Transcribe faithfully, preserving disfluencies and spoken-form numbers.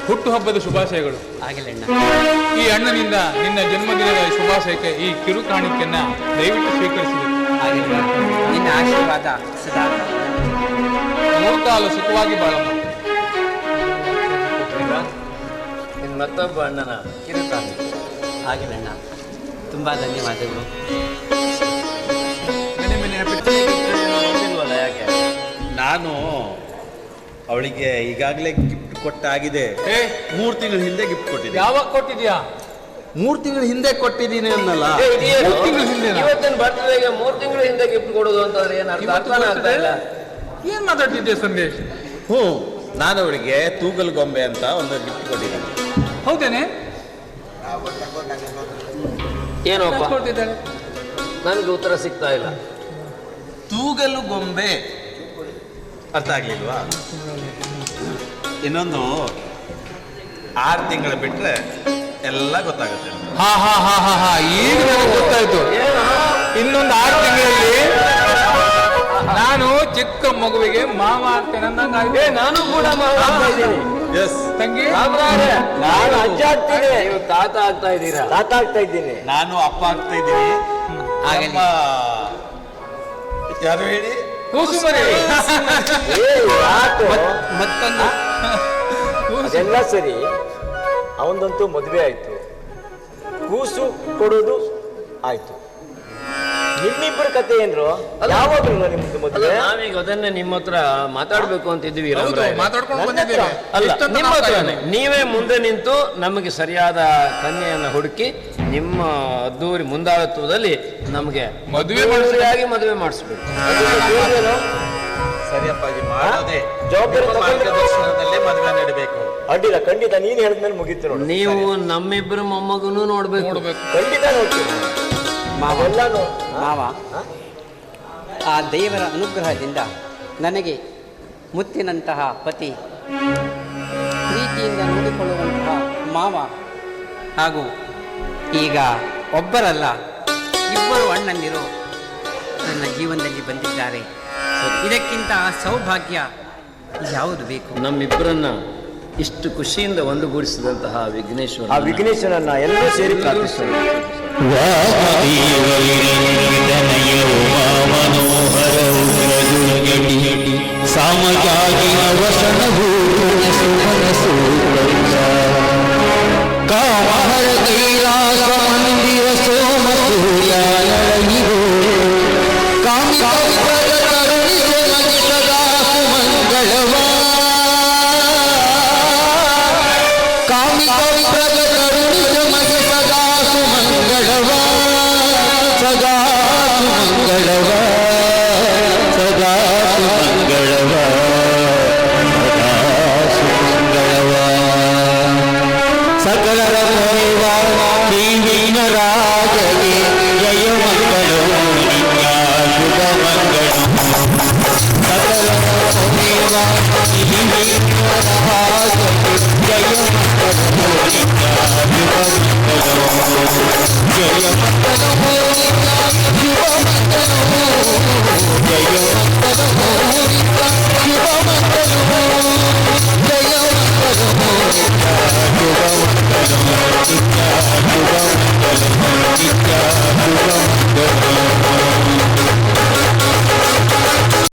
ಹುಟ್ಟುಹಬ್ಬದ ಶುಭಾಶಯಗಳು. ಈ ಅಣ್ಣನಿಂದ ನಿನ್ನ ಜನ್ಮದಿನದ ಶುಭಾಶಯಕ್ಕೆ ಈ ಕಿರು ಕಾಣಿಕೆಯನ್ನ ದಯವಿಟ್ಟು ಸ್ವೀಕರಿಸಬೇಕು. ನಿನ್ನ ಆಶೀರ್ವಾದ ಸದಾ ಮೂರ್ಕಾಲು ಸುಖವಾಗಿ ಬಾಳಮ್ಮ. ನಿನ್ನ ಮತ್ತೊಬ್ಬ ಅಣ್ಣನ ಕಿರು ಕಾಣಿಕೆ. ಆಗಿಲ್ಲಣ್ಣ, ತುಂಬಾ ಧನ್ಯವಾದಗಳು. ಯಾಕೆ? ನಾನು ಅವಳಿಗೆ ಈಗಾಗಲೇ ಗಿಫ್ಟ್ ಕೊಟ್ಟಾಗಿದೆ. ಏ ಮೂರು ತಿಂಗಳ ಹಿಂದೆ ಗಿಫ್ಟ್ ಕೊಟ್ಟಿದ್ದೆ. ಯಾವಾಗ ಕೊಟ್ಟಿದ್ಯಾ? ಮೂರು ತಿಂಗಳ ಹಿಂದೆ ಕೊಟ್ಟಿದ್ದೀನಿ ಅನ್ನಲ್ಲ. ಮೂರು ತಿಂಗಳ ಹಿಂದೆ ಇವತ್ತಿನ ಬರ್ತ್ಡೇಗೆ ಮೂರು ತಿಂಗಳ ಹಿಂದೆ ಗಿಫ್ಟ್ ಕೊಡೋದು ಅಂತಂದ್ರೆ ಏನು ಅರ್ಥ ಅರ್ಥನೇ ಆಗ್ತಾ ಇಲ್ಲ. ಏನ್ ಮಾತಾಡ್ತಿದ್ದೆ ಸಂದೇಶ್? ಹ್ಞೂ, ನಾನು ಅವಳಿಗೆ ತೂಗಲ್ ಗೊಂಬೆ ಅಂತ ಒಂದು ಗಿಫ್ಟ್ ಕೊಟ್ಟಿದ್ದೀನಿ. ಹೌದೇನೆ? ಏನೋಪ್ಪ ಕೊಡ್ತಿದ್ದಾಳೆ. ನನಗೆ ಉತ್ತರ ಸಿಗ್ತಾ ಇಲ್ಲ. ತೂಗಲು ಗೊಂಬೆ ಅರ್ಥ ಆಗ್ಲಿಲ್ವಾ? ಇನ್ನೊಂದು ಆರು ತಿಂಗಳು ಬಿಟ್ರೆ ಎಲ್ಲ ಗೊತ್ತಾಗುತ್ತೆ. ಹಾ ಹಾ ಹಾ ಹಾ ಹಾ ಈಗ ನನಗೆ ಗೊತ್ತಾಯ್ತು. ಇನ್ನೊಂದು ಆರು ತಿಂಗಳಲ್ಲಿ ನಾನು ಚಿಕ್ಕ ಮಗುವಿಗೆ ಮಾವ ಆಗ್ತೇನೆ ಅಂದಂಗಾಗಿದೆ. ನಾನು ಕೂಡ ಮಾವ ಆಗ್ತಾ ಇದ್ದೀನಿ. ಎಸ್ ತಂಗಿ ನಾನು ಅಜ್ಜ ಆಗ್ತೀನಿ, ನೀವು ತಾತ ಆಗ್ತಾ ಇದ್ದೀರಾ? ತಾತ ಆಗ್ತಾ ಇದ್ದೀನಿ. ನಾನು ಅಪ್ಪ ಆಗ್ತಾ ಇದ್ದೀನಿ. ಅಪ್ಪ ಯಾರು ಹೇಳಿ? ಕೂಸುಮರಿ. ಮತ್ತೊಂದು ಅದೆಲ್ಲ ಸರಿ, ಅವನದಂತೂ ಮದುವೆ ಆಯ್ತು, ಕೂಸು ಕೊಡೋದು ಆಯ್ತು. ನಿಮ್ಮಿಬ್ಬರ ಕತೆ ಏನ್ರು? ಯಾವಾಗ್ಲೂ ನಿಮ್ದು ಮದುವೆ? ನಾವೀಗ ಅದನ್ನೇ ನಿಮ್ಮ ಹತ್ರ ಮಾತಾಡ್ಬೇಕು ಅಂತಿದ್ವಿ. ಮಾತಾಡ್ಕೊಂಡು ಬಂದಿದ್ದೇವೆ. ಅಲ್ಲ, ನಿಮ್ಮ ಹತ್ರನೇ ನೀವೇ ಮುಂದೆ ನಿಂತು ನಮಗೆ ಸರಿಯಾದ ಕನ್ಯೆಯನ್ನು ಹುಡುಕಿ ನಿಮ್ಮ ಅದ್ದೂರಿ ಮುಂದಾಳತ್ವದಲ್ಲಿ ನಮಗೆ ಮದುವೆ ಮದುವೆಯಾಗಿ ಮದುವೆ ಮಾಡಿಸ್ಬೇಕು. ಸರಿಯಪ್ಪಾಜಿ ಮಾಡೋದೇ ಜವಾಬ್ದಾರಿ ಮಾರ್ಗದರ್ಶನದಲ್ಲೇ ಮದುವೆ ನಡೀಬೇಕು. ಅಡ್ಡಿಲ್ಲ, ಖಂಡಿತ ನೀನ್ ಹೇಳಿದ್ಮೇಲೆ ಮುಗೀತು ನೋಡಿ. ನೀವು ನಮ್ಮಿಬ್ಬರು ಮೊಮ್ಮಗನೂ ನೋಡ್ಬೇಕು. ಖಂಡಿತ ನೋಡ್ತೀನಿ. ಮಾವೆಲ್ಲ ಮಾವ, ಆ ದೇವರ ಅನುಗ್ರಹದಿಂದ ನನಗೆ ಮುತ್ತಿನಂತಹ ಪತಿ, ಪ್ರೀತಿಯಿಂದ ನೋಡಿಕೊಳ್ಳುವಂತಹ ಮಾವ ಹಾಗೂ ಈಗ ಒಬ್ಬರಲ್ಲ ಇಬ್ಬರು ಅಣ್ಣಂದಿರು ನನ್ನ ಜೀವನದಲ್ಲಿ ಬಂದಿದ್ದಾರೆ. ಇದಕ್ಕಿಂತ ಸೌಭಾಗ್ಯ ಯಾವುದು ಬೇಕು? ನಮ್ಮಿಬ್ಬರನ್ನ ಇಷ್ಟು ಖುಷಿಯಿಂದ ಒಂದುಗೂಡಿಸಿದಂತಹ ವಿಘ್ನೇಶ್ವರ, ಆ ವಿಘ್ನೇಶ್ವರನ್ನ ಎಲ್ಲರೂ ಸೇರಿ ಪ್ರಾರ್ಥಿಸೋಣ. ಸಾಮಗಾಗಿನ ವಸನವು